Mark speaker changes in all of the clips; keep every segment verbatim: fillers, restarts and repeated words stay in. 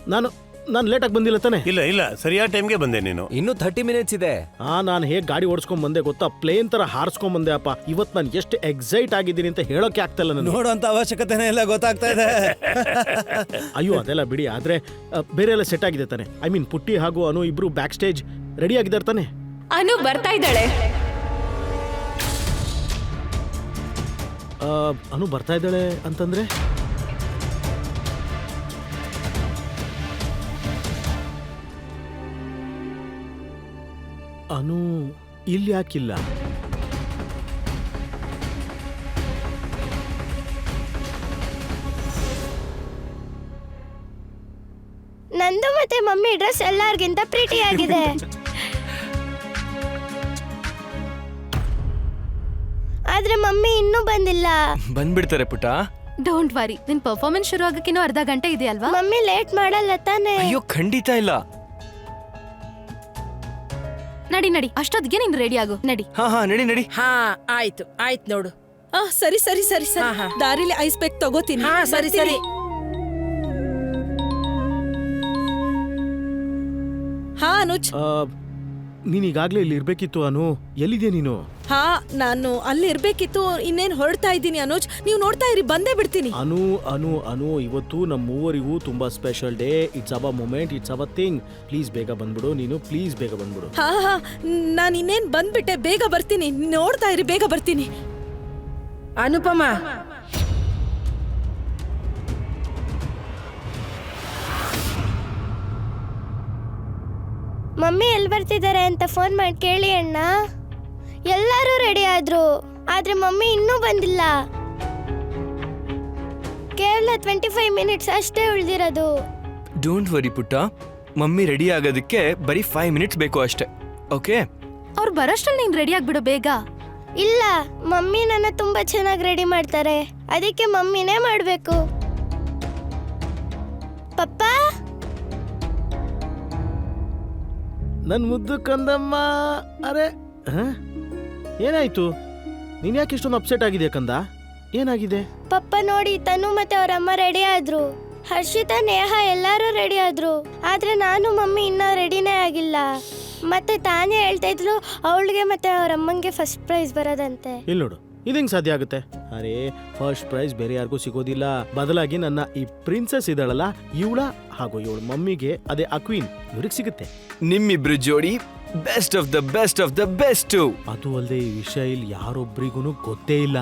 Speaker 1: ನಾನು ನಾನು ಲೇಟಾಗಿ ಬಂದಿಲ್ಲ ತಾನೆ?
Speaker 2: ಇಲ್ಲ ಇಲ್ಲ ಸರಿಯಾದ ಟೈಮ್ಗೆ ಬಂದೆ ನೀನು.
Speaker 3: ಇನ್ನು ಥರ್ಟಿ ಮಿನಿಟ್ಸ್ ಇದೆ.
Speaker 1: ಹಾ, ನಾನು ಹೇಗೆ ಗಾಡಿ ಓಡಿಸ್ಕೊಂಡ್ ಬಂದೆ ಗೊತ್ತಾ? ಪ್ಲೇನ್ ತರ ಹಾರಿಸ್ಕೊಂಡ್ ಬಂದೆ ಅಪ್ಪ. ಇವತ್ತು ನಾನು ಎಷ್ಟು ಎಕ್ಸೈಟ್ ಆಗಿದ್ದೀನಿ ಅಂತ ಹೇಳೋಕೆ ಆಗ್ತಾ ಇಲ್ಲ ನನಗೆ.
Speaker 4: ನೋಡುವಂತ ಅವಶ್ಯಕತೆನೇ ಎಲ್ಲ ಗೊತ್ತಾಗ್ತಾ ಇದೆ.
Speaker 1: ಅಯ್ಯೋ ಅದೆಲ್ಲ ಬಿಡಿ. ಆದ್ರೆ ಅ, ಬೇರೆ ಎಲ್ಲ ಸೆಟ್ ಆಗಿದೆ ತಾನೆ? ಐ ಮೀನ್ ಪುಟ್ಟಿ ಹಾಗೂ ಅನು ಇಬ್ರು ಬ್ಯಾಕ್ ಸ್ಟೇಜ್ ರೆಡಿ ಆಗಿದ್ದಾರೆ ತಾನೆ?
Speaker 5: ಅನು ಬರ್ತಾ ಇದ್ದಾಳೆ.
Speaker 1: ಆ, ಅನು ಬರ್ತಾ ಇದ್ದಾಳೆ ಅಂತಂದ್ರೆ ಅನು ಇಲ್ಲಿ ಯಾಕಿಲ್ಲ?
Speaker 6: ನಂದು ಮತ್ತೆ ಮಮ್ಮಿ ಡ್ರೆಸ್ ಎಲ್ಲರಿಗಿಂತ ಪ್ರೀಟಿ ಆಗಿದೆ. ಆದ್ರೆ ಮಮ್ಮಿ ಇನ್ನೂ ಬಂದಿಲ್ಲ.
Speaker 3: ಬಂದ್ಬಿಡ್ತಾರೆ ಪುಟ್ಟ.
Speaker 5: ಡೋಂಟ್ ವರಿ, ನಿನ್ ಪರ್ಫಾರ್ಮೆನ್ಸ್ ಶುರು ಆಗಕ್ಕಿನ್ನೂ ಅರ್ಧ ಗಂಟೆ ಇದೆಯಲ್ವಾ?
Speaker 6: ಮಮ್ಮಿ ಲೇಟ್ ಮಾಡಲ್ಲ ತಾನೆ?
Speaker 3: ಅಯ್ಯೋ ಖಂಡಿತ ಇಲ್ಲ.
Speaker 5: ನಡಿ ನಡಿ, ಅಷ್ಟೊತ್ತಿಗೆ ನೀನ್ ರೆಡಿ ಆಗು. ನಡಿ.
Speaker 3: ಹಾ ಹಾ ನಡಿ ನಡಿ.
Speaker 7: ಹಾ ಆಯ್ತು ಆಯ್ತು ನೋಡು.
Speaker 8: ಆ ಸರಿ ಸರಿ ಸರಿ
Speaker 7: ಹಾ,
Speaker 8: ಸರಿ
Speaker 7: ಹಾ.
Speaker 8: ದಾರಿಲಿ ಐಸ್ ಪ್ಯಾಕ್ ತಗೋತೀನಿ.
Speaker 7: ಹಾ ಸರಿ ಸರಿ.
Speaker 8: ಹಾ ಅನುಜ್.
Speaker 1: ಆ, ನೀನ್ ಈಗಾಗ್ಲೇ ಇಲ್ಲಿ ಇರ್ಬೇಕಿತ್ತು ಅನು. ಎಲ್ಲಿದೆ ನೀನು?
Speaker 8: ಹಾ ನಾನು ಅಲ್ಲಿ ಇರ್ಬೇಕಿತ್ತು. ಇನ್ನೇನ್ ಹೊರಡ್ತಾ ಇದ್ದೀನಿ ಅನುಜ್. ನೀವು ನೋಡ್ತಾ ಇರಿ, ಬಂದೇ ಬಿಡ್ತೀನಿ.
Speaker 1: ಅನು ಅನು ಅನು ಇವತ್ತು ನಮ್ಮ ಮೂವರಿಗೂ ತುಂಬಾ special day. It's our moment, it's our thing. Please ಬೇಗ ಬಂದ್ಬಿಡು ನೀನು, ಪ್ಲೀಸ್ ಬೇಗ ಬಂದ್ಬಿಡು.
Speaker 8: ಹಾ ಹಾ ನಾನು ಇನ್ನೇನ್ ಬಂದ್ಬಿಟ್ಟೆ, ಬೇಗ ಬರ್ತೀನಿ. ನೋಡ್ತಾ ಇರಿ, ಬೇಗ ಬರ್ತೀನಿ.
Speaker 7: ಅನುಪಮ
Speaker 6: ಮಮ್ಮಿ ಎಲ್ಲಿ ಬರ್ತಿದ್ದಾರೆ ಅಂತ ಫೋನ್ ಮಾಡಿ ಕೇಳಿ ಅಣ್ಣ. ಎಲ್ಲರೂ ರೆಡಿ ಆದ್ರು, ಆದ್ರೆ ಮಮ್ಮಿ ಇನ್ನೂ ಬಂದಿಲ್ಲ. ಕೇವಲ ಟ್ವೆಂಟಿ ಫೈವ್ ಮಿನಿಟ್ಸ್ ಅಷ್ಟೇ ಉಳಿದಿರೋದು.
Speaker 3: ಡೋಂಟ್ ವರಿ ಪುಟ್ಟ, ಮಮ್ಮಿ ರೆಡಿ ಆಗೋದಕ್ಕೆ ಬರೀ ಫೈವ್ ಮಿನಿಟ್ಸ್ ಬೇಕು ಅಷ್ಟೇ. ಓಕೆ?
Speaker 5: ಅವ್ರು ಬರೋಷ್ಟ್ರಲ್ಲಿ ನೀನ್ ರೆಡಿ ಆಗ್ಬಿಡು ಬೇಗ.
Speaker 6: ಇಲ್ಲ, ಮಮ್ಮಿ ನನ್ನ ತುಂಬಾ ಚೆನ್ನಾಗಿ ರೆಡಿ ಮಾಡ್ತಾರೆ. ಅದಕ್ಕೆ ಮಮ್ಮಿನೇ ಮಾಡ್ಬೇಕು. ಪಪ್ಪ,
Speaker 1: ನನ್ ಮುದ್ದು ಕಂದಮ್ಮ. ಅರೆ ಹ? ಏನಾಯ್ತು? ನೀನ್ ಯಾಕೆ ಇಷ್ಟೊಂದು ಅಪ್ಸೆಟ್ ಆಗಿದೆ ಕಂದ? ಏನಾಗಿದೆ?
Speaker 6: ಪಪ್ಪ ನೋಡಿ, ತನು ಮತ್ತೆ ಅವ್ರ ಅಮ್ಮ ರೆಡಿ ಆದ್ರು. ಹರ್ಷಿತಾ, ನೇಹ ಎಲ್ಲರೂ ರೆಡಿ ಆದ್ರು. ಆದ್ರೆ ನಾನು ಮಮ್ಮಿ ಇನ್ನೂ ರೆಡಿನೇ ಆಗಿಲ್ಲ. ಮತ್ತೆ ತಾನೇ ಹೇಳ್ತಾ ಇದ್ಲು ಅವಳಿಗೆ ಮತ್ತೆ ಅವ್ರ ಅಮ್ಮಂಗೆ ಫಸ್ಟ್ ಪ್ರೈಸ್ ಬರೋದಂತೆ.
Speaker 1: ಇಲ್ಲಿ ನೋಡು, ಇದಂಗ್ ಸಾಧ್ಯ ಆಗುತ್ತೆ? ಅರೆ, ಫಸ್ಟ್ ಪ್ರೈಸ್ ಬೇರೆ ಯಾರಿಗೂ ಸಿಗೋದಿಲ್ಲ. ಬದಲಾಗಿ ನನ್ನ ಈ ಪ್ರಿನ್ಸೆಸ್ ಇದ್ದಾಳಲ್ಲ, ಇವಳ ಹಾಗೂ ಇವಳ ಮಮ್ಮಿಗೆ, ಅದೇ ಅಕ್ವೀನ್, ಇವ್ರಿಗೆ ಸಿಗುತ್ತೆ.
Speaker 3: ನಿಮ್ಮಿಬ್ರು ಜೋಡಿ best of the best of the best.
Speaker 1: ಅದು ಅಲ್ಲದೆ ಈ ವಿಷಯ ಇಲ್ಲಿ ಯಾರೊಬ್ರಿಗೂ ಗೊತ್ತೇ ಇಲ್ಲ.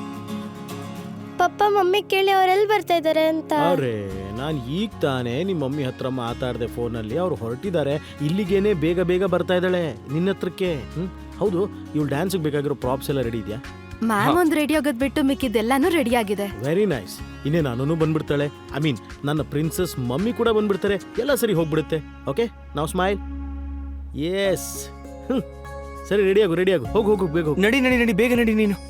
Speaker 6: ಪಪ್ಪ ಮಮ್ಮಿ ಕೇಳಿ ಅವರೆಲ್ಲಿ ಬರ್ತಾ ಇದಾರೆ ಅಂತ.
Speaker 1: ಅರೆ, ನಾನ್ ಈಗ ತಾನೇ ನಿಮ್ಮ ಮಮ್ಮಿ ಹತ್ರ ಮಾತಾಡ್ದೆ ಫೋನಲ್ಲಿ. ಅವ್ರು ಹೊರಟಿದ್ದಾರೆ. ಇಲ್ಲಿಗೇನೆ ಬೇಗ ಬೇಗ ಬರ್ತಾ ಇದ್ದಾಳೆ ನಿನ್ನ ಹತ್ರಕ್ಕೆ. ಹ್ಮ್ ಹೌದು, ಇವಳು ಡ್ಯಾನ್ಸ್ಗೆ ಬೇಕಾಗಿರೋ ಪ್ರಾಪ್ಸ್ ಎಲ್ಲ ರೆಡಿ ಇದೆಯಾ?
Speaker 5: ಮ್ಯಾಮ್ ಒಂದ್ ರೆಡಿ ಆಗೋದ್ ಬಿಟ್ಟು ಮಿಕ್ಕಿದ್ದೆಲ್ಲಾನು ರೆಡಿ ಆಗಿದೆ.
Speaker 1: Very nice. ಇನ್ನೇ ನಾನು ಬಂದ್ಬಿಡ್ತಾಳೆ. ಐ ಮೀನ್ ನನ್ನ ಪ್ರಿನ್ಸೆಸ್ ಮಮ್ಮಿ ಕೂಡ ಬಂದ್ಬಿಡ್ತಾರೆ. ಎಲ್ಲ ಸರಿ ಹೋಗ್ಬಿಡುತ್ತೆ. ಓಕೆ, ನಾವು ಸ್ಮೈಲ್. ಎಸ್. ಸರಿ, ರೆಡಿ ಆಗು ರೆಡಿ ಆಗು. ಹೋಗು ಹೋಗು ಬೇಗ ಹೋಗು.
Speaker 3: ನಡಿ ನಡಿ ನಡಿ ಬೇಗ ನಡಿ ನೀನು.